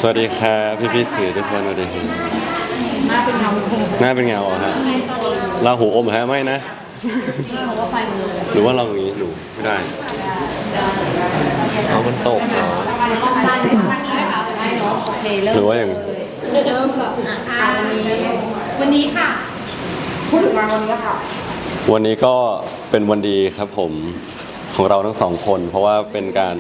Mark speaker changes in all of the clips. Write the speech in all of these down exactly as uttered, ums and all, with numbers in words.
Speaker 1: สวัสดีครับพี่พี่สื่อทุกคนสวัสดีครับ
Speaker 2: หน้าเป็นเงา
Speaker 1: หน้าเป็นเงาอะฮะลาหูอมฮะไม่นะหรือว่าเราอย่างนี้หนูไม่ได้
Speaker 3: เอามันตกเนาะ
Speaker 1: หรือว่าอย่าง
Speaker 2: เริ่มแบบวันนี้ค่ะพูดถึงงานวันนี้ค่ะ
Speaker 1: วันนี้ก็เป็นวันดีครับผมของเราทั้งสองคน เพราะว่าเป็นการ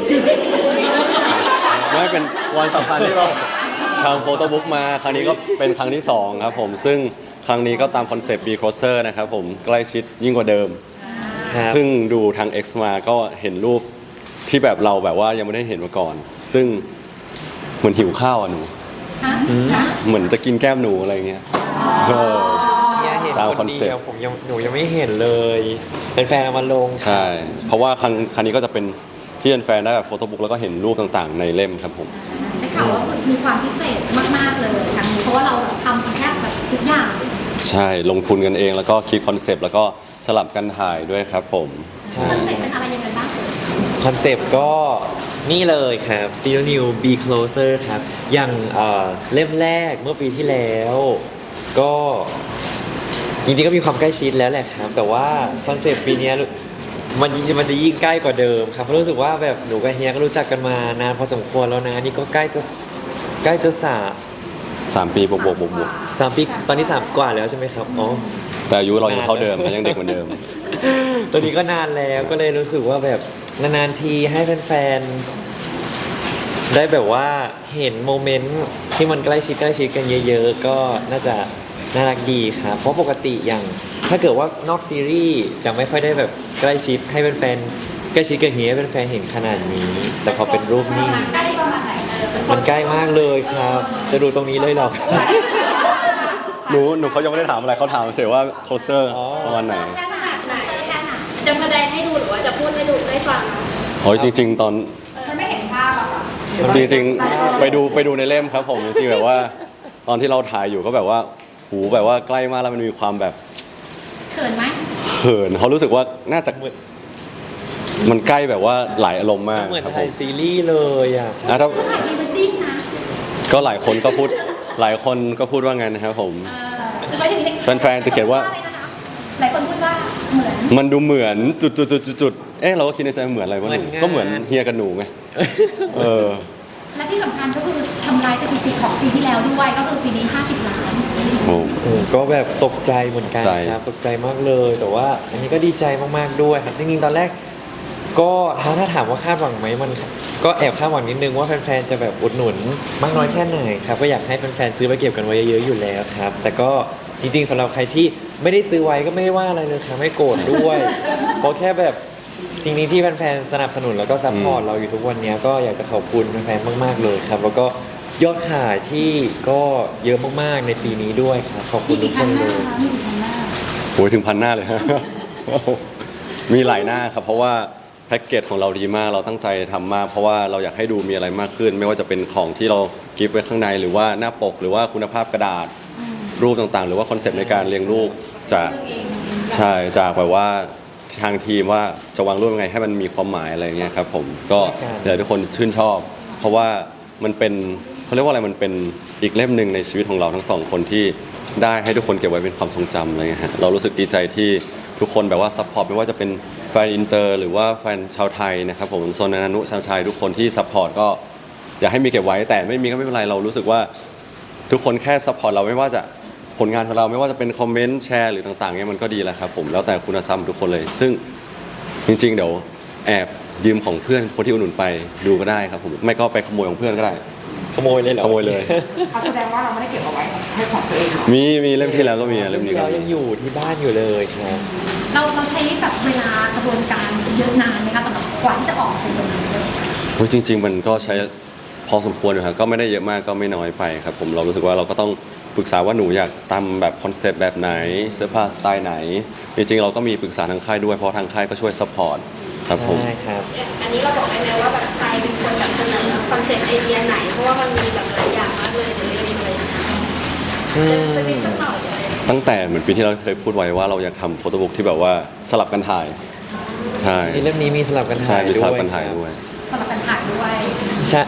Speaker 1: ไม่เป็นวันสำคัญที่เราทำโฟโต้บุ๊กมาครั้งนี้ก็เป็นครั้งที่สองครับผมซึ่งครั้งนี้ก็ตามคอนเซปต์ Be Closer นะครับผมใกล้ชิดยิ่งกว่าเดิมซึ่งดูทาง X มาก็เห็นรูปที่แบบเราแบบว่ายังไม่ได้เห็นมาก่อนซึ่งเหมือนหิวข้าวอ่ะหนูเหมือนจะกินแก้มหนูอะไรเงี้ย
Speaker 3: ตามคอนเซ็ปต์ผมยังหนูยังไม่เห็นเลยเป็นแฟนมาลง
Speaker 1: ใช่เพราะว่าครั้งครั้งนี้ก็จะเป็นที่เป็นแฟนได้แบบโฟโต้บุ๊กแล้วก็เห็นรูปต่างๆในเล่มครับผม
Speaker 2: ได้ข่าวว่ามีความพิเศษมากๆเลยครั้งนี้เพราะว่าเราทำแค่แบบทุกอย่าง
Speaker 1: ใช่ลงทุนกันเองแล้วก็คิดคอนเซปต์แล้วก็สลับกันถ่ายด้วยครับผม
Speaker 2: คอนเซปต์เป็นอะไรยังไงบ้าง
Speaker 3: คอนเซปต์ก็นี่เลยครับ Zero New Be Closer ครับอย่างเล่มแรกเมื่อปีที่แล้วก็จริงๆก็มีความใกล้ชิดแล้วแหละครับแต่ว่าคอนเซปต์ปีนี้มันมันจะยิ่งใกล้กว่าเดิมครับเพราะรู้สึกว่าแบบหนูกับเฮียก็รู้จักกันมานานพอสมควรแล้วนะนี่ก็ใกล้จะใกล้จะสาม
Speaker 1: สามปีบวกบวกบวกบวก
Speaker 3: สามปีตอนนี้สามกว่าแล้วใช่ไหมครับอ๋อ
Speaker 1: แต่อายุเรายังเท่าเดิมยังเด็กเหมือนเดิม
Speaker 3: ตอนนี้ก็นานแล้วก็เลยรู้สึกว่าแบบนานๆทีให้แฟนๆได้แบบว่าเห็นโมเมนต์ที่มันใกล้ชิดใกล้ชิดกันเยอะๆก็น่าจะน่ารักดีครับเพราะปกติอย่างถ้าเกิดว่านอกซีรีส์จะไม่ค่อยได้แบบใกล้ชิดให้แฟนๆใกล้ชิดกันเฮียเป็นแฟนเห็นขนาดนี้แต่พอเป็นรูปนิ่งมันใกล้มากเลยครับจะดูตรงนี้เลยหรอ
Speaker 1: หนูหนูเขายังไม่ได้ถามอะไรเขาถามเฉยว่าโคเซอร์ประมาณไหน
Speaker 2: จะแสดงให้ดูหรือว่าจะพูดให้ดูได้ฟัง
Speaker 1: โอ้ยจริงๆตอน
Speaker 2: ฉันไม่เห็นภาพอะค่ะ
Speaker 1: จริงๆไปดูไปดูในเล่มครับผมจริงๆแบบว่าตอนที่เราถ่ายอยู่ก็แบบว่าหูแบบว่าใกล้มากแล้วมันมีความแบบ
Speaker 2: เขินไหม
Speaker 1: เขินเขารู้สึกว่าน่าจะมันใกล้แบบว่าหลายอารมณ์มาก
Speaker 3: เหมือนถ่ายซีรีส์เลยอ่ะ
Speaker 1: นะถ้า
Speaker 2: ถ่ายพรีเวดดิ้งนะ
Speaker 1: ก็หลายคนก็พูดหลายคนก็พูดว่าไงนะครับผมแฟนๆจะเขียนว่า
Speaker 2: หลายคนพูดว่าเหมือน
Speaker 1: มันดูเหมือนจุดจุดจุดจุดเอ๊ะเราก็คิดในใจเหมือนอะไรวะหนูก็เหมือนเฮียกับหนูไงเออ
Speaker 2: และที่สำคัญก็คือทำลายสถิติของปีที่แล้วด้วยก็คือปีนี้ห้าสิบล้าน
Speaker 1: โอ้
Speaker 3: ก็แบบตกใจเหมือนกันครับตกใจมากเลยแต่ว่าอันนี้ก็ดีใจมากๆด้วยครับจริงๆตอนแรกก็ถ้าถ้าถามว่าคาดหวังไหมมันก็แอบคาดหวังนิดนึงว่าแฟนๆจะแบบอุดหนุนมากน้อยแค่ไหนครับก็อยากให้แฟนๆซื้อไปเก็บกันไว้เยอะๆอยู่แล้วครับแต่ก็จริงๆสำหรับใครที่ไม่ได้ซื้อไว้ก็ไม่ได้ว่าอะไรเลยครับไม่โกรธด้วยเพราะแค่แบบจริงๆที่แฟนๆสนับสนุนแล้วก็ซัพพอร์ตเราอยู่ทุกวันนี้ก็อยากจะขอบคุณแฟนๆมากๆเลยครับแล้วก็ยอดขายที่ก็เยอะมากๆในปีนี้ด้วยครับขอบคุณทุกคนเลย
Speaker 1: โอ้ยถึงพันหน้าเลยฮะมีหลายหน้าครับเพราะว่าแพ็กเกจของเราดีมากเราตั้งใจทำมากเพราะว่าเราอยากให้ดูมีอะไรมากขึ้นไม่ว่าจะเป็นของที่เรากิฟต์ไว้ข้างในหรือว่าหน้าปกหรือว่าคุณภาพกระดาษรูปต่างๆหรือว่าคอนเซปต์ในการเรียงรูปจากใช่จากแบบว่าทางทีมว่าจะวางรูปยังไงให้มันมีความหมายอะไรเงี้ยครับผมก็อยากให้ทุกคนชื่นชอบเพราะว่ามันเป็นเขาเรียกว่าอะไรมันเป็นอีกเล่มหนึ่งในชีวิตของเราทั้งสองคนที่ได้ให้ทุกคนเก็บไว้เป็นความทรงจำอะไรเงี้ยฮะเรารู้สึกดีใจที่ทุกคนแบบว่าซัพพอร์ตไม่ว่าจะเป็นแฟนอินเตอร์หรือว่าแฟนชาวไทยนะครับผมโซนนานุชาชัยทุกคนที่ซัพพอร์ตก็อยากให้มีเก็บไว้แต่ไม่มีก็ไม่เป็นไรเรารู้สึกว่าทุกคนแค่ซัพพอร์ตเราไม่ว่าจะผลงานของเราไม่ว่าจะเป็นคอมเมนต์แชร์หรือต่างๆเนี่ยมันก็ดีแล้วครับผมแล้วแต่คุณธรรมทุกคนเลยซึ่งจริงๆเดี๋ยวแอบยืมของเพื่อนคนที่อุดหนุนไปดูก็ได้ครับผมไม่ก็ไปขโมยของเพื่อนก็ได้
Speaker 3: ขโมยเลยเหรอ
Speaker 1: ขโมยเลย
Speaker 2: แสดงว่าเราไม่ได้เก็บเอาไว้ให้ของตัวเอง
Speaker 1: มีมีเล่มที่แล้วก็มีเล่มนี้ก็
Speaker 3: ยังอยู่ที่บ้านอยู่เลยครับ
Speaker 2: เราเราใช้แบบเวลากระบวนการเยอะนานไหมคะสำหรับกว่าที่จะออกเป็นตรงนี้
Speaker 1: โอ้ยจริงๆมันก็ใช้พอสมควรอยู่ครับก็ไม่ได้เยอะมากก็ไม่น้อยไปครับผมเรารู้สึกว่าเราก็ต้องปรึกษาว่าหนูอยากทำแบบคอนเซปต์แบบไหนเสื้อผ้าสไตล์ไหนจริงๆเราก็มีปรึกษาทางค่ายด้วยเพราะทางค่ายก็ช่วยซัพพอร์ตครับผม
Speaker 3: ใช่ครับ
Speaker 2: อันนี้เราบอกได้ไหมว่าแบบใครเป็นคนแบบเสนอคอนเซปต์ไอเดียไหนเพราะว่ามันมีแบบหลายอย่างมากเลยในเรื่องเลยจะมีสักหน่อย
Speaker 1: ตั้งแต่เหมือนปีที่เราเคยพูดไว้ว่าเราอยากทำโฟโต้บุ๊กที่แบบว่าสลับกันถ่ายใช่
Speaker 3: เล่มนี้มีสลับกันถ่าย
Speaker 1: ด้วยสลับกันถ่ายด้วย
Speaker 2: สลับกันถ่ายด้วย
Speaker 3: ใช่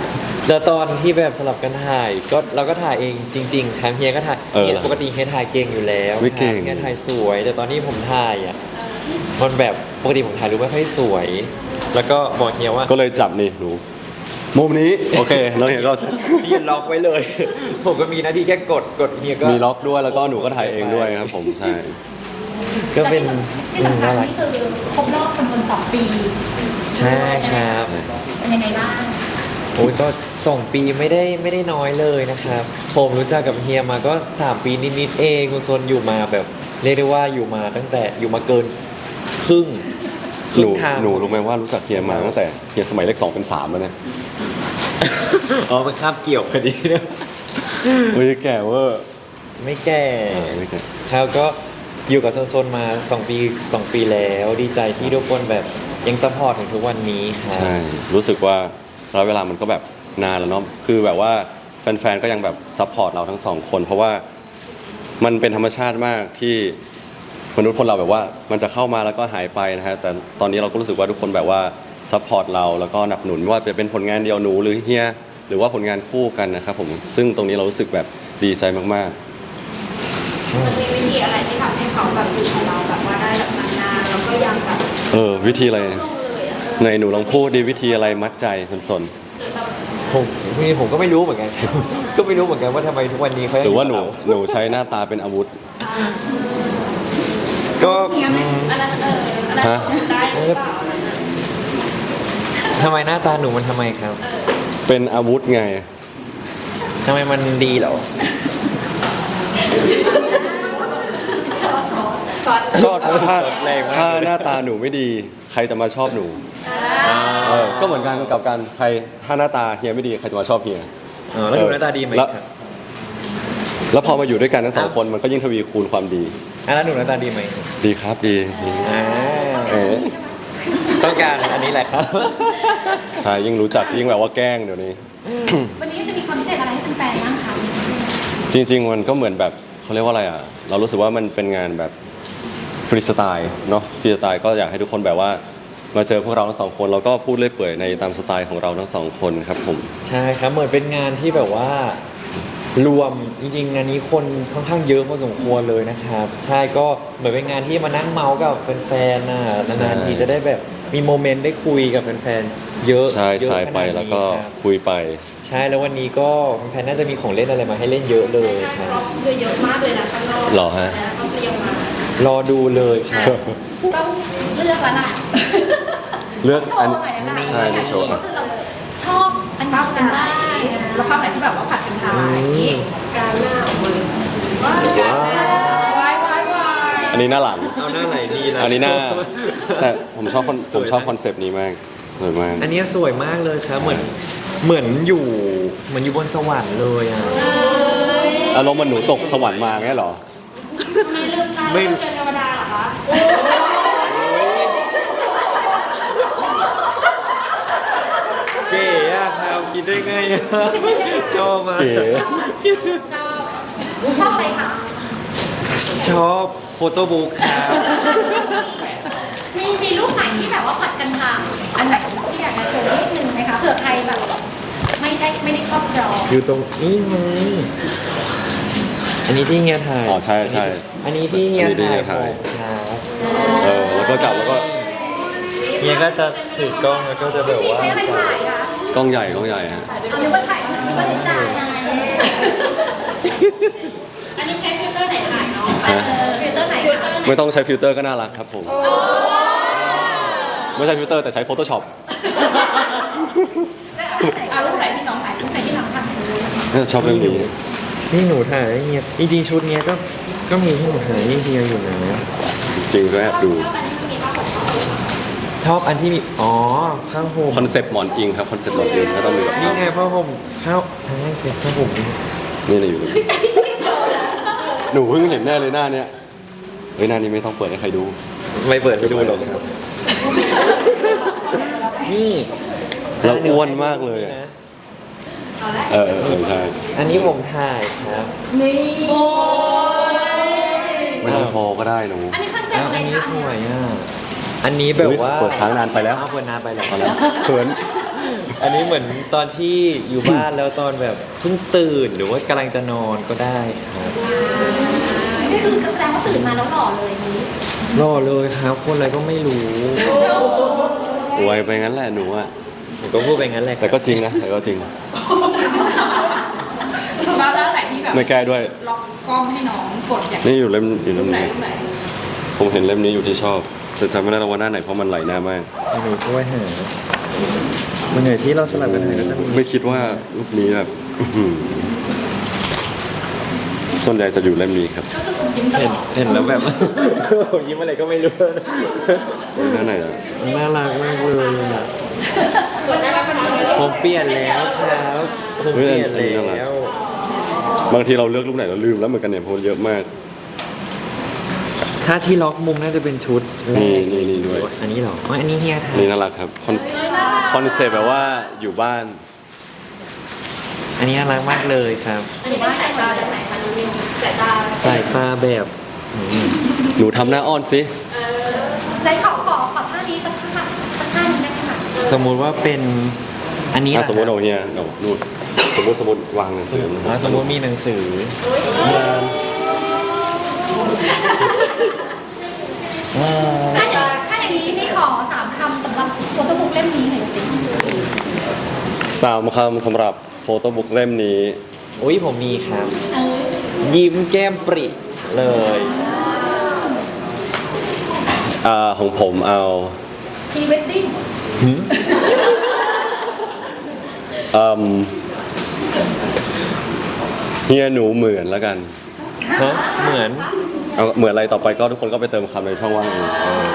Speaker 3: แล้วตอนที่แบบสลับกันถ่ายก็เราก็ถ่ายเองจริงๆทางเฮียก็ถ่าย
Speaker 1: เออ
Speaker 3: เฮียปกติเฮียถ่ายเก่งอยู่แล้ว
Speaker 1: ไม่เก่ง
Speaker 3: เฮียถ่ายสวย แต่ตอนที่ผมถ่ายอ่ะมันแบบปกติผมถ่ายรูปไม่ค่อยสวย แล้วก็บอกเฮียว่า
Speaker 1: ก็เลยจับนี่หนูมุมนี้โอเคแล้วเห็นก็
Speaker 3: ยืนล็อกไว้เลย ผมก็มีหน้าที่แค่กดกดเฮียก็
Speaker 1: มีล็อกด้วยแล้วก็หนูก็ถ่ายเองด้วยครับผมใช่
Speaker 3: ก็เป็น
Speaker 4: ที่สำคัญ
Speaker 3: น่ารัก
Speaker 4: นี่คือครบรอบจำนวนสองปี
Speaker 3: ใช่ครับ
Speaker 4: เป็นยังไงบ้าง
Speaker 3: โอ้ยก็สองปีไม่ได้ไม่ได้น้อยเลยนะครับ ผมรู้จักกับเฮียมาก็สามปีนิดๆเองคุณซนอยู่มาแบบเรียกได้ว่าอยู่มาตั้งแต่อยู่มาเกินครึ่งค
Speaker 1: ห
Speaker 3: รึ่
Speaker 1: นู
Speaker 3: งทาง
Speaker 1: หนูรู้ไหมว่ารู้จักเฮียมาตั้งแต่เฮียสมัยเลขสองเป็นสามแล้วเนี่ย
Speaker 3: อ๋อมันข้ามเกี่ยวพอดีนะ
Speaker 1: เฮ้ยแก่เวอร์
Speaker 3: ไม่แก่
Speaker 1: อ่าไม่แก่
Speaker 3: ครับก็อยู่กับโซนๆมาสองปีสองปีแล้วดีใจที่ทุกคนแบบยังซัพพอร์ตถึงทุกวันนี้ครับ
Speaker 1: ใช่ รู้สึกว่าระยะเวลามันก็แบบนานแล้วเนาะคือแบบว่าแฟนๆก็ยังแบบซัพพอร์ตเราทั้งสองคน เพราะว่ามันเป็นธรรมชาติมากที่มนุษย์คนเราแบบว่ามันจะเข้ามาแล้วก็หายไปนะฮะแต่ตอนนี้เราก็รู้สึกว่าทุกคนแบบว่าซัพพอร์ตเราแล้วก็หนับหนุนไม่ว่าจะเป็นผลงานเดียวหนูหรือเฮียหรือว่าผลงานคู่กันนะครับผมซึ่งตรงนี้เรารู้สึกแบบดีใจมากๆ
Speaker 2: มันมีวิธีอะไรที่ทำให้เขาแบบอยู่กับเราแบบว่าได้แบบนานๆแล้วก็ยังแบบ
Speaker 1: เออวิธีอะไร
Speaker 2: ลงเลยอ่ะ
Speaker 1: ในหนูลองพูดดีวิธีอะไรมัดใจสน
Speaker 3: ผมนี่ผมก็ไม่รู้เหมือน กัน ก็ไม่รู้เหมือนกันว่าทำไมทุกวันนี้เขา
Speaker 1: ๆ
Speaker 3: ยัง
Speaker 1: หรือว่าหนู
Speaker 3: ยู่กับเ
Speaker 1: หนูใช้หน้าตาเป็นอาวุธ
Speaker 3: ก็
Speaker 2: อันนั้นเอออันนั้น
Speaker 1: ฮะ
Speaker 2: ได้หรือเปล่า
Speaker 3: ทำไมหน้าตาหนูมันทำไมครับ
Speaker 1: เป็นอาวุธไง
Speaker 3: ทำไมมันดีเหรอ
Speaker 2: ซอส
Speaker 1: ก็ถ้า
Speaker 3: แรงมาก
Speaker 1: ถ้าหน้าตาหนูไม่ดี ใครจะมาชอบหนูเออก็เหมือนกันกับการใครถ้าหน้าตาเฮียไม่ดีใครจะมาชอบเฮีย
Speaker 3: อ๋อแล้วหนูหน้าตาดีไหม
Speaker 1: แล้ว
Speaker 3: ครับ
Speaker 1: แล้วพอมาอยู่ด้วยกันทั้งสองคนมันก็ยิ่งทวีคูณความดี
Speaker 3: อ่ะแล้วหนูหน้าตาดีไหม
Speaker 1: ดีครับดีดี
Speaker 3: อ่า
Speaker 1: เอ๋
Speaker 3: ต้องการอันนี้แหละครับ
Speaker 1: ใช่ยิ่งรู้จักยิ่งแบบว่าแกล้งเดี๋ยวนี้
Speaker 4: วันนี้จะมีความพิเศษอะไรให้แฟนๆบ้างคะ
Speaker 1: จริงๆ มันก็เหมือนแบบเขาเรียกว่าอะไรอ่ะ เรารู้สึกว่ามันเป็นงานแบบฟรีสไตล์เนาะฟรีสไตล์ก็อยากให้ทุกคนแบบว่า มาเจอพวกเราทั้งสองคนแล้วก็พูดเล่อยเปื่อยในตามสไตล์ของเราทั้งสองคนครับผม
Speaker 3: ใช่ครับเหมือนเป็นงานที่แบบว่ารวมจริงๆงานนี้คนค่อนข้างเยอะพอสมควรเลยนะครับ ใช่ก็เหมือนเป็นงานที่มานั่งเมาส์กับแฟนๆน่ะนานๆทีจะได้แบบมีโมเมนต์ได้คุยกับแฟนๆเยอะ
Speaker 1: ใช่
Speaker 3: เยอะ
Speaker 1: สาย
Speaker 3: ข
Speaker 1: ไป
Speaker 3: นาดนี้
Speaker 1: แล้วก็
Speaker 3: ครับ
Speaker 1: คุยไป
Speaker 3: ใช่แล้ววันนี้ก็แฟนๆน่าจะมีของเล่นอะไรมาให้เล่นเยอะเลยครับ
Speaker 2: เราคือเยอะมากเลยนะข้างนอก
Speaker 1: หรอฮะ
Speaker 2: แล้วก็เรียงมาร
Speaker 3: อดูเลยครับ
Speaker 4: ต้องเลือกแล้วล่ะ
Speaker 1: เลือก
Speaker 4: โช
Speaker 1: อัน
Speaker 4: ว์หน่อยนะ
Speaker 1: ใช่ในโชว์ครับ
Speaker 4: ก็คือเราชอบอันนี้เป็นบ้างแล้วภาพไหนที่แบบว่าผัดกันทายนี่
Speaker 2: การหน้าออกมาเลยว้าวว้ายว้ายว้าย
Speaker 1: อันนี้หน้าหลัง
Speaker 3: เอาหน้าไหนดีล่ะ
Speaker 1: อันนี้หน้า แต่ผมชอบคอนผมชอบคอนเซปต์นี้มากสวยมาก
Speaker 3: อันนี้สวยมากเลยครับเหมือนเหมือนอยู่เหมือนอยู่บนสวรรค์เลยอ่ะ
Speaker 1: อารมณ์มันหนูตกสวรรค์มาไงเหรอ
Speaker 2: ไม่ลืมตา
Speaker 3: ไม่
Speaker 2: ไม่เจอเทวดาเหรอคะ
Speaker 3: เก๋อะครับคิดได้ไงอะชอบมาก
Speaker 1: เก๋
Speaker 4: ชอบชอบอะไรคะ
Speaker 3: ชอบโฟโต้บุ๊กครับ
Speaker 4: มีมีรูปไหนที่แบบว่าผัดกันทายอันไหนที่อยากจะโชว์นิดนึงไหมคะเผื่อใครแบบไม่ได้ไม่ได้ครอบครอง
Speaker 3: อยู่ตรงนี้ไหมอันนี้ที่เฮียถ่าย
Speaker 1: อ๋อใช่ใช่
Speaker 3: อันนี้ที่เฮีย
Speaker 1: อันนี้ที่
Speaker 3: ถ่าย
Speaker 1: เฮียถ่าย
Speaker 3: ครับ
Speaker 1: เออแล้วก็จับแล้วก็
Speaker 3: เฮียก็จะถือกล้องแล้วก็จะแบบ
Speaker 4: พี่
Speaker 3: ว่า
Speaker 4: ใช้อะไรถ่ายคะ
Speaker 1: กล้องใหญ่กล้องใหญ่ฮะ
Speaker 4: เอานึกว่าถ่ายนึกว่าถ่ายจ่าย
Speaker 2: อันนี้ใช้ฟิลเตอร์ไหนถ่ายเนาะ
Speaker 1: ฮะ
Speaker 4: ฟิลเตอร์ไหนคะ
Speaker 1: ไม่ต้องใช้ฟิลเตอร์ก็น่ารักครับผม ไม่ใช่ฟิลเตอร์แต่ใช้ Photoshop
Speaker 4: เอารูปไหนที่น้องถ่ายรูปไหนที่น้องถ่าย
Speaker 1: ชอบเรื่องนี้
Speaker 3: นี่หนูถ่ายให้เฮียจริงๆชุดเนี้ยก็ก็มีที่หนูถ่ายให้เฮียอยู่นะ
Speaker 1: จริงก็แอบดู
Speaker 3: ชอบอันที่มีอ๋อผ้าห่ม
Speaker 1: คอนเซปต์หมอนอิงครับ คอนเซปต์หมอนอิงก็ต้องมีแบบ
Speaker 3: นี่ไงผ้าห่มข้าวใช่เซ็ตผ้าห่มนี่
Speaker 1: นี่เลยอยู่เลยหนูเพิ่งเห็นแน่เลยหน้าเนี้ยเฮ้ยหน้านี้ไม่ต้องเปิดให้ใครดู
Speaker 3: ไม่เปิดให้ดูหรอกครับนี่
Speaker 1: เราอ้วนมากเลยอะ เออเออเออใช่
Speaker 3: อันนี้ผมถ่ายครับ
Speaker 4: นี่โอ้ย
Speaker 1: ไม่ต้องโชว์ก็ได้หนู
Speaker 4: อันนี้คอนเซ็ป
Speaker 3: อ้าว
Speaker 4: ต์อะไร
Speaker 3: อันนี้
Speaker 4: คะ
Speaker 3: สวยอ่ะอันนี้แบบว่า
Speaker 1: อุ๊ยเปิดค้างนานไปแล้ว
Speaker 3: อ้าวเปิดนานไปแล้ว
Speaker 1: เอาแล้วเขิน
Speaker 3: อันนี้เหมือนตอนที่อยู่บ้านแล้วตอนแบบเพิ่งตื่นหรือว่ากำลังจะนอนก็ได้ครับ
Speaker 4: นี่คือแสดงว่าตื่นมาแล้วหล่อเลยนี้
Speaker 3: รอเลยครับคนอะไรก็ไม่รู้
Speaker 1: อวยไปงั้นแหละหนูอะ
Speaker 3: ผมก็พูดไปงั้นแหละค
Speaker 1: แต่
Speaker 3: รับ
Speaker 1: ก็จริงนะแต่ก็จริง
Speaker 5: แล้วแล้วไหนที่แบบ
Speaker 1: ไม่แก้ด้วย
Speaker 5: ล็อกกล้องให้น้องกดอย่าง
Speaker 1: นี่อยู่เล่มอยู่เล่ม
Speaker 5: ไหน
Speaker 1: นี้
Speaker 5: รูปไหน
Speaker 1: ผมเห็นเล่มนี้อยู่ที่ชอบแต่จำไม่ได้แล้วว่าหน้าไหนเพราะมันไหลหน้ามาก
Speaker 3: หนูช่วยหามันเหนื่อยที่เราสลับกันถ่ายก็จะมี
Speaker 1: ไม่คิดว่ารูปนี้แบบอื้อหือส่วนใหญ่จะอยู่เล่มนี้ครับ
Speaker 4: ก็คือผมยิ้มต
Speaker 3: เห็
Speaker 4: ล
Speaker 3: น
Speaker 4: อด
Speaker 3: เห็นแล้วแบบ ยิ้มอะไรก็ไม่รู้
Speaker 1: หน้าไหนอะ
Speaker 3: น่ารักมากเลยอะ ผมเปลี่ยนแล้วครับผมเปลี่ยนแล้ว
Speaker 1: บางทีเราเลือกรูปไหนเราลืมแล้วเหมือนกันเนี่ยเพราะมันเยอะมาก
Speaker 3: ถ้าที่ล็อกมุมน่าจะเป็นชุดแร
Speaker 1: นี่
Speaker 3: ก
Speaker 1: นี่นี่ด้วย
Speaker 3: อันนี้เหรออ๋ออันนี้เฮียถ่าย
Speaker 1: นี่น่ารักครับคอนคอนเซ็ปต์แบบว่าอยู่บ้าน
Speaker 3: อันนี้น่ารักมากเลยครับ
Speaker 2: อันนี้เป็นสายตาจากไหนคะน้องนิวสายตา
Speaker 3: สายตาแบบอืม
Speaker 1: หนูทำหน้าอ้อนสิ
Speaker 4: ไหนขอขอขอท่านี้สักท่าสักท่าหนึงได้ไหมคะ
Speaker 3: สมมุติว่าเป็นอันนี้
Speaker 1: อ่ะ
Speaker 3: นะ
Speaker 1: สมมติเอาเฮียเอานู่นสมมติสมมติวางหนังสือ
Speaker 3: อ่ะสมมติมีหนังสืออ่า
Speaker 4: ถ้าอย่างถ้าอย่างนี้นี่ขอสามคำสำหรับโฟโต้บุ๊กเล่มนี้หน่อยสิ
Speaker 1: สามคำสำหรับโฟโต้บุ๊กเล่มนี้
Speaker 3: อุ้ยผมมีครับ
Speaker 4: เออ
Speaker 3: ยิ้มแก้มปริเลย
Speaker 1: อ่าของผมเอา
Speaker 4: พรีเวดดิ้ง
Speaker 1: อืมเฮียหนูเหมือนแล้วกัน
Speaker 3: ฮะเหมือน
Speaker 1: เอาเหมือนอะไรต่อไปก็ทุกคนก็ไปเติมคำในช่องว่างเองเออ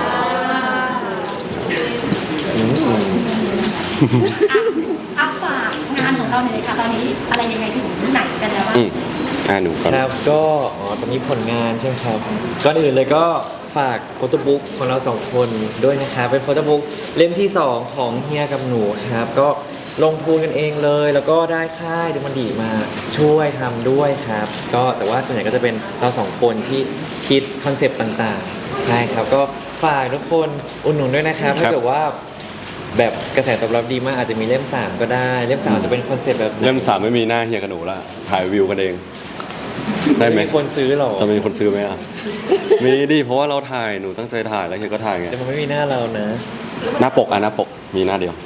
Speaker 4: อัพฝากงานของเราหน่อยเลยค่ะตอนนี้อะไรยังไงถึงไหนกันแล้วบ้าง
Speaker 1: อืมอ่าหนูก่อน
Speaker 3: ครับก็อ๋อตอนนี้ผลงานใช่ไหมครับก่อนอื่นเลยก็ฝากโฟโต้บุ๊กของเราสองคนด้วยนะครับเป็นโฟโต้บุ๊กเล่มที่สองของเฮียกับหนูครับก็ลงทุนกันเองเลย แล้วก็ได้ค่ายดูมันดีมาช่วยทำด้วยครับ ก็แต่ว่าส่วนใหญ่ก็จะเป็นเราสองคนที่คิดคอนเซปต์ต่างๆใช่ครับก็ฝากทุกคนอุดหนุนด้วยนะครับถ้าเกิดว่าแบบกระแสตอบรับดีมากอาจจะมีเล่มสามก็ได้เล่มสามจะเป็นคอนเซปต์แบบไหน
Speaker 1: เล่มสามไม่มีหน้าเฮียกับหนูละถ่ายวิวกันเอง ได้ไหม
Speaker 3: มีคนซื้อหรอ
Speaker 1: จะมีคนซื้อไหมอ่ะ มีดิเพราะว่าเราถ่ายหนูตั้งใจถ่ายแล้วเฮียก็ถ่ายไง
Speaker 3: แต่มันไม่มีหน้าเรานะ
Speaker 1: หน้าปกอ่ะหน้าปกมีหน้าเดียว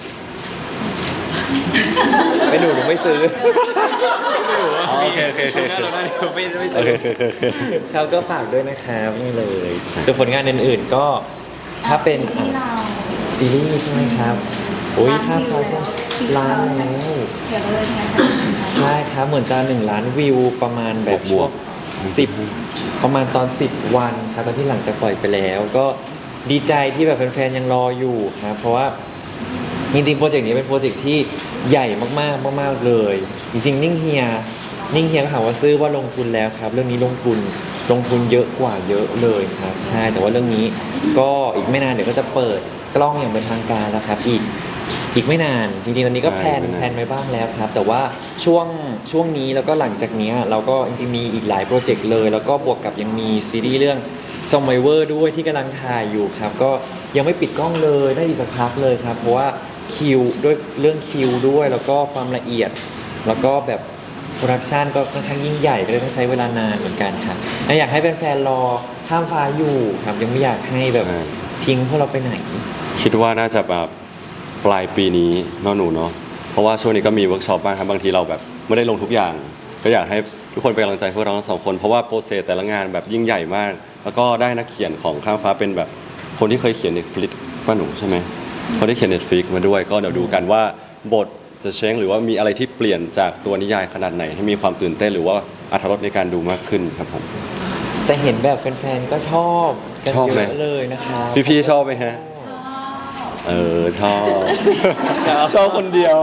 Speaker 3: ไม่หนูหนูไม่ซื้อไม่หนูว่า
Speaker 1: อ๋อโอเคโอเคโอเค
Speaker 3: หน้าเราหน้าเดียวไม่ไม่
Speaker 1: โอ
Speaker 3: ซื้
Speaker 1: เคโอเคโอเคโอเค
Speaker 3: เขาก็ฝากด้วยนะครับนี่เลยส่วนผลงานอื่นๆก็ถ้าเป็นอ่ะซีรีส์ใช่ไหมครับโอ้ยค่าไฟก็ล้านแล้ว
Speaker 4: เดี๋ยวเลยไง
Speaker 3: ใช่ครับเหมือนจะหนึ่งล้านวิวประมาณแบบ
Speaker 1: บ
Speaker 3: ช่
Speaker 1: ว
Speaker 3: ว
Speaker 1: ก
Speaker 3: งสิบประมาณตอนสิบวันครับตอนที่หลังจากปล่อยไปแล้ว ก็ดีใจที่แบบแฟนๆยังรออยู่ครับเพราะว่าจริงๆโปรเจกต์นี้เป็นโปรเจกต์ที่ใหญ่มากๆมากๆเลย จริงๆนิ่งเฮียนิ่งเฮียก็ถามว่าซื้อว่าลงทุนแล้วครับ เรื่องนี้ลงทุนลงทุนเยอะกว่าเยอะเลยครับใช่แต่ว่าเรื่องนี้ก็อีกไม่นานเดี๋ยวก็จะเปิดกล้องอย่างเป็นทางการแล้วครับอีก อีกไม่นานจริงๆตอนนี้ก็
Speaker 1: ใช่
Speaker 3: แพลน
Speaker 1: ไม่นาน
Speaker 3: แพลนไว้บ้างแล้วครับ แต่ว่าช่วงช่วงนี้แล้วก็หลังจากเนี้ยเราก็จริงๆมีอีกหลายโปรเจกต์เลย แล้วก็บวกกับยังมีซีรีส์เรื่องซอมไ i เวอร์ด้วยที่กำลังถ่ายอยู่ครับ ก็ยังไม่ปิดกล้องเลยได้อีกสักพักเลยครับ เพราะว่าคิวด้วยเรื่องคิวด้วย แล้วก็ความละเอียด แล้วก็แบบโปรดักชันก็ค่อนข้างยิ่งใหญ่ก็เลยต้องใช้เวลานานเหมือนกันครับและอยากให้แฟนๆรอข้ามฟ้าอยู่ครับยังไม่อยากให้แบบ
Speaker 1: ใช่
Speaker 3: ทิ้งพวกเราไปไหน
Speaker 1: คิดว่าน่าจะแบบปลายปีนี้เนาะหนูเนาะเพราะว่าช่วงนี้ก็มีเวิร์กช็อปบ้างครับบางทีเราแบบไม่ได้ลงทุกอย่าง ก็อยากให้ทุกคนเป็นกำลังใจพวกเราทั้งสองคนเพราะว่าโปรเซสแต่ละงานแบบยิ่งใหญ่มาก แล้วก็ได้นักเขียนของข้ามฟ้าเป็นแบบคนที่เคยเขียน Netflix ป้าหนูใช่ไหมเขาได้เขียน Netflix มาด้วย ก็เดี๋ยวดูกันว่าบทจะเช้งหรือว่ามีอะไรที่เปลี่ยนจากตัวนิยายขนาดไหน ให้มีความตื่นเต้นหรือว่าอรรถรสในการดูมากขึ้นครับผม
Speaker 3: แต่เห็นแบบแฟนๆ ก็ชอบกัน
Speaker 1: ชอบ
Speaker 3: เย
Speaker 1: ไหม
Speaker 3: อะเลยนะครับ
Speaker 1: พี่ๆชอบไหมฮะ เออชอบ ชอบคนเดียว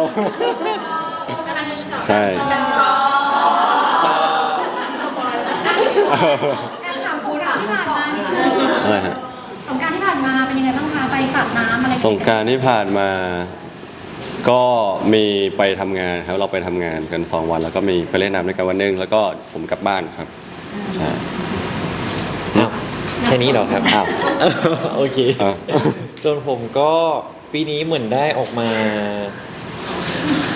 Speaker 1: ใช่
Speaker 4: การถามสงกรานต์ที่ผ่านมานิดนึง
Speaker 1: อะไรฮะ
Speaker 4: สงกรานต์ที่ผ่านมาเป็นยังไงบ้างคะไปสาดน้ำอะไร
Speaker 1: สงกรารที่ผ่านมา ก็มีไปทำงานครับเราไปทำงานกันสองวัน แล้วก็มีไปเล่นน้ำด้วยกันวันหนึงแล้วก็ผมกลับบ้านครับใช่
Speaker 3: อ้าวแค่นี้เหรอครับ
Speaker 1: อ้าว
Speaker 3: โอเค
Speaker 1: อ้าว
Speaker 3: ส่วนผมก็ปีนี้เหมือนได้ออกมา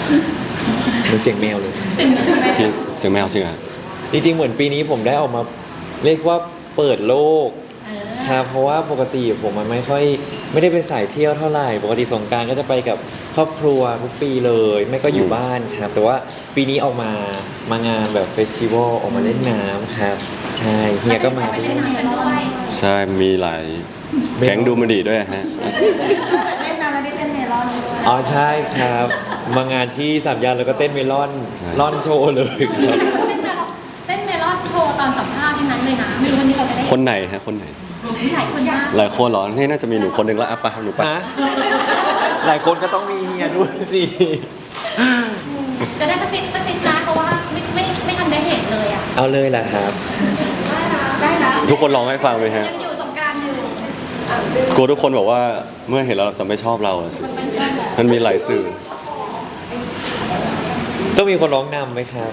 Speaker 3: เหมือนเสียงแมวเลย
Speaker 4: สิ่งหนึ่งไหม
Speaker 1: ที่เสียงแมวจริงอ่ะ
Speaker 3: จริงๆ เหมือนปีนี้ผมได้ออกมาเรียกว่าเปิดโลก
Speaker 4: เออ
Speaker 3: ครับเพราะว่าปกติผมมันไม่ค่อยไม่ได้ไปสายเที่ยวเท่าไหร่ปกติสงกรารก็จะไปกับครอบครัวทุกปีเลยไม่ก็อยู่บ้านครับ แต่ว่าปีนี้ออกมามางานแบบเฟสติวัลออกมาเล่นน้ำครับ ใช่เฮียก็มา
Speaker 4: ไป
Speaker 3: ด้ว
Speaker 4: เล่น
Speaker 3: ย
Speaker 4: น้ำกันด้วย
Speaker 1: ใช่มีหลายแก๊งดูมันดีด้วยฮะ
Speaker 5: เล่นน้ำแล้วได้เต้นเมลอนด้วย
Speaker 3: อ๋อใช่ครับ มางานที่สามย่านแล้วก็เต้นเมลอน
Speaker 1: ใช่
Speaker 3: ล่อนโชว์เลยครับ
Speaker 4: เต้นเมลอนเต้นเมลอนโชว์ตอนสัมภาษณ์ที่นั้นเลยนะไม่รู้วันนี้เราจะได้
Speaker 1: คนไหนฮะคนไหน
Speaker 4: หลายคนมาก
Speaker 1: หลายคนเหรอนี่น่าจะมีหนูคนหนึ่งแล้วอ่ะไปหนูไป
Speaker 3: ฮะหลายคนก็ต้องมีเฮียด้วยสิ
Speaker 4: จะได้สปิดสปิดนะเพราะว่าไม่ไม่ไม่ทันได้เห็นเลยอ่ะ
Speaker 3: เอาเลยแหละครับ
Speaker 4: ได้นะ
Speaker 1: ทุกคนร้องให้ฟังไหมฮะ
Speaker 4: ยังอยู่สงกรารอยู่
Speaker 1: กลัวทุกคนบอกว่าเมื่อเห็นเราจะไม่ชอบเราอะสิ
Speaker 4: เป็นเพื่อนเหรอ
Speaker 1: มันมีหลายสื่อ
Speaker 3: ต้องมีคนร้องนำไหมครับ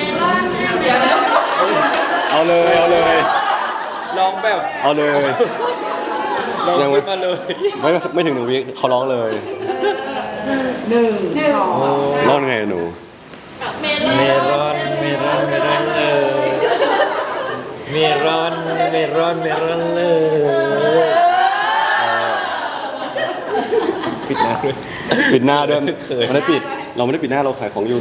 Speaker 1: เอาเลยเอาเลย
Speaker 3: ร้องแบบ
Speaker 1: เอาเลย
Speaker 3: ร้อง
Speaker 1: ยังไม่
Speaker 3: ขึ้นมาเลย
Speaker 1: ไม่ไม่ถึงหนึ่งวิเขาร้องเลย
Speaker 5: หนึ่งสอง
Speaker 1: ร้องไงหนู
Speaker 2: เม
Speaker 3: เม
Speaker 2: ล
Speaker 3: ร
Speaker 2: อ
Speaker 3: อน นเมรอนเมรอนเลยเมรอนเมรอนเมรอนเลยปิดหน้าด้วย
Speaker 1: ปิดหน้าด้วย
Speaker 3: เขิน
Speaker 1: ไม่ได้ปิด เราไม่ได้ปิดหน้าเราขายของอยู่หนู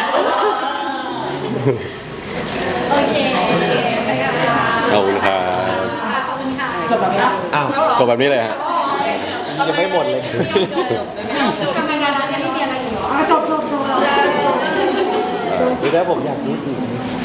Speaker 4: โอเคโอเคไปกันค่ะ
Speaker 1: ขอบคุณครับ
Speaker 4: ขอบคุณค่ะ
Speaker 3: อ้าว
Speaker 1: จบแบบนี้เลยฮะ
Speaker 3: ยังไม่หมดเลย
Speaker 4: ทำงานร้านนี้เรียนอะไรอยู่เหรอ
Speaker 5: จบจบจบ
Speaker 3: หรือถ้าผมอยากพูดอีก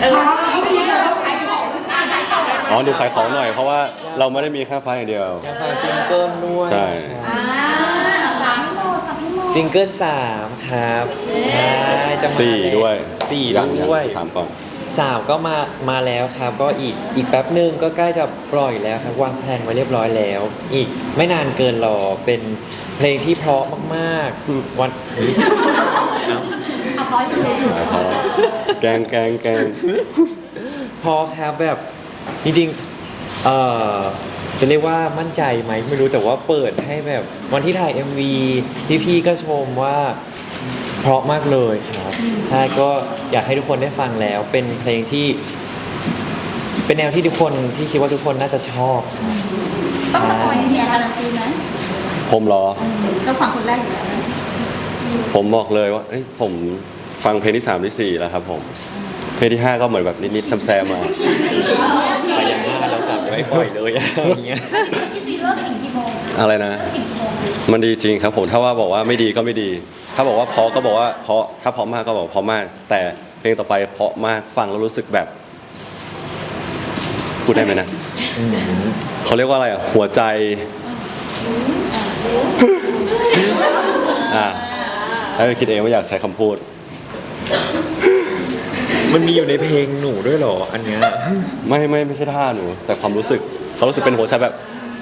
Speaker 1: อ๋อดูขายของหน่อย เพราะว่าเราไม่ได้มีแค่ไฟอย่างเดียว
Speaker 3: อยากฟังซิงเกิลด้วย
Speaker 1: ใช่
Speaker 5: อ่าฝากให้หมดฝากให้หมด
Speaker 3: ซิงเกิลสามครับใช่จะมา
Speaker 1: สี่
Speaker 3: แล้ว
Speaker 1: ด้วย
Speaker 3: สี่
Speaker 1: ยัง
Speaker 3: ด้วย
Speaker 1: ยังสามก่อน
Speaker 3: สามก็มามาแล้วครับ ก็อีกอีกแป๊บหนึ่งก็ใกล้จะปล่อยแล้วครับวางแผนไว้เรียบร้อยแล้ว อีกไม่นานเกินรอเป็นเพลงที่เพราะมากๆวันเฮ้ยเอ้า
Speaker 4: เอาร้อยจุดเลย
Speaker 1: พอแกงแกงแกง
Speaker 3: พอครับแบบจริงๆเอ่อจะเรียกว่ามั่นใจไหมไม่รู้แต่ว่าเปิดให้แบบวันที่ถ่าย เอ็ม วี พี่ๆก็ชมว่าเพราะมากเลยครับใช่ก็อยากให้ทุกคนได้ฟังแล้ว เป็นเพลงที่ เป็นแนวที่ทุกคนที่คิดว่าทุกคนน่าจะชอบครับ
Speaker 4: ต้องสปอยล์เนี่ยการันตีไหม
Speaker 1: ผมเหรอ
Speaker 5: เราฝั่งคนแรกอยู่แล้วนะ
Speaker 1: ผมบอกเลยว่าเอ้ยผมฟังเพลงที่สามที่สี่แล้วครับผม เพลงที่ห้าก็เหมือนแบบนิดๆแซมๆมา
Speaker 3: ไปอย่างหน้าเราจับจะไม่ปล่อยเลยอย่างเงี้ย
Speaker 4: พี่ซีเลิกถึงกี่โมง
Speaker 1: อะไรนะ
Speaker 4: ถึงกี่โมง
Speaker 1: มันดีจริงครับผม ถ้าว่าบอกว่าไม่ดีก็ไม่ดี ถ้าบอกว่าเพราะก็บอกว่าเพราะ ถ้าเพราะมากก็บอกเพราะมาก แต่เพลงต่อไปเพราะมาก ฟังแล้วรู้สึกแบบ พูดได้ไหมนะ เขาเรียกว่าอะไรอ่ะ หัวใจ อ่าให้ไปคิดเองว่าอยากใช้คำพูด
Speaker 3: มันมีอยู่ในเพลงหนูด้วยเหรออันเนี้ย
Speaker 1: ไม่ไม่ไม่ใช่ท่าหนู แต่ความรู้สึกเขารู้สึกเป็นหัวใจแบบ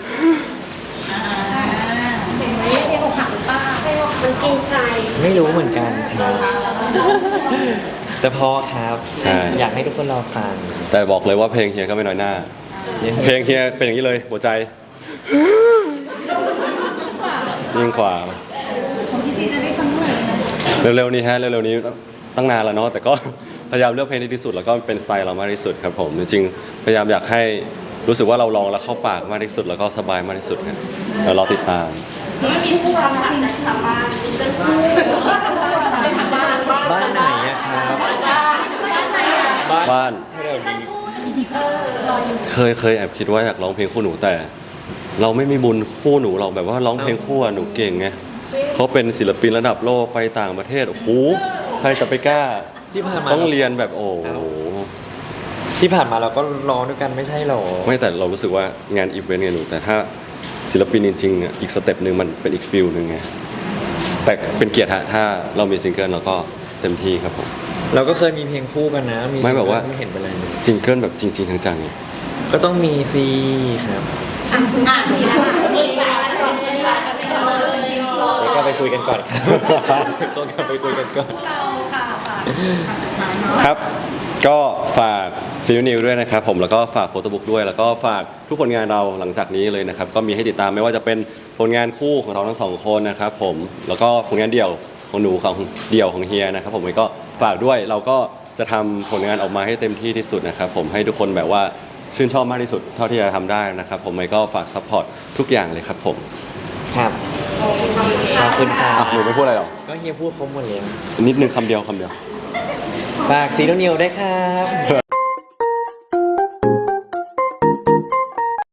Speaker 4: เพลงนี้เพลงอกหักหรือเปล่า
Speaker 2: ไม่ว่ามันกินใจ
Speaker 3: ไม่รู้เหมือนกันครับ แต่พอครับ
Speaker 1: ใช่
Speaker 3: อยากให้ทุกคนรอฟัง
Speaker 1: แต่บอกเลยว่าเพลงเฮียก็ไม่น้อยหน้า เพลงเฮียเป็นอย่างนี้เลย หัวใจ ยิ่งกว่า
Speaker 5: ของพี่ซีจะได้ฟังเมื่อไหร่นะ
Speaker 1: เร็วๆนี้ฮะเร็วๆนี้ตั้งนานแล้วเนาะแต่ก็ พยายามเลือกเพลงที่ดีที่สุดแล้วก็เป็นสไตล์เรามากที่สุดครับผมจริงๆพยายามอยากให้รู้สึกว่าเราลองแล้วเข้าปากมากที่สุดแล้วก็สบายมากที่สุดครับเดี๋ยวรอติดตาม
Speaker 2: มันมีคู่รักที่นักทำบ้านเป็นคู่เป็นทำบ้าน
Speaker 3: บ้านไหนอะครับบ้าน
Speaker 1: บ้าน
Speaker 3: แถวนี้
Speaker 1: เคยเคยแอบคิดว่าอยากร้องเพลงคู่หนูแต่ เราไม่มีบุญคู่หนูเราแบบว่าร้องเพลงคู่อะหนูเก่งไงเขาเป็นศิลปินระดับโลกไปต่างประเทศโอ้โหใครจะไปกล้า
Speaker 3: ที่ผ่านมา
Speaker 1: ต้องเรียนแบบโอ้โห
Speaker 3: ที่ผ่านมาเราก็ร้องด้วยกันไม่ใช่หรอ
Speaker 1: ไม่แต่เรารู้สึกว่างานอีเวนต์ไงหนูแต่ถ้าศิลปินจริงๆเนี่ยอีกสเต็ปหนึ่งมันเป็นอีกฟิลหนึ่งไงแต่เป็นเกียรติฮะถ้าเรามีซิงเกิลเราก็เต็มที่ครับผม
Speaker 3: เราก็เคยมีเพลงคู่กันนะมี
Speaker 1: ไม่แบบว่า
Speaker 3: ไม่เห็นเป็นไรเลย
Speaker 1: ซิงเกิลแบบจริงๆจังๆเนี่ย
Speaker 3: ก็ต้องมีซีครับ
Speaker 4: อ่ะอ่ะดีแล้วดีแล้ว
Speaker 3: แล้วก็ไปคุยกันก่อนครับ ต้องกลับไปคุยกันก่อน
Speaker 4: เราค่ะค่ะ
Speaker 1: ครับก็ฝากซีรีส์นิวด้วยนะครับผมแล้วก็ฝากโฟโต้บุ๊กด้วย แล้วก็ฝากทุกผลงานเราหลังจากนี้เลยนะครับก็มีให้ติดตามไม่ว่าจะเป็นผลงานคู่ของเราทั้งสองคนนะครับผมแล้วก็ผลงานเดี่ยวของหนูของเดี่ยวของเฮียนะครับผมก็ฝากด้วยเราก็จะทำผลงานออกมาให้เต็มที่ที่สุดนะครับผมให้ทุกคนแบบว่าชื่นชอบมากที่สุดเท่าที่จะทำได้นะครับผมก็ฝากซัพพอร์ตทุกอย่างเลยครับผม
Speaker 3: ครับขอบคุณครับ
Speaker 1: อ่ะหนูไม่พูดอะไรหรอ
Speaker 3: ก็เฮียพูดครบหมดแล้ว
Speaker 1: นิดนึงคำเดียวคำเดียว
Speaker 3: ฝากซีโนนิวได้วยครับ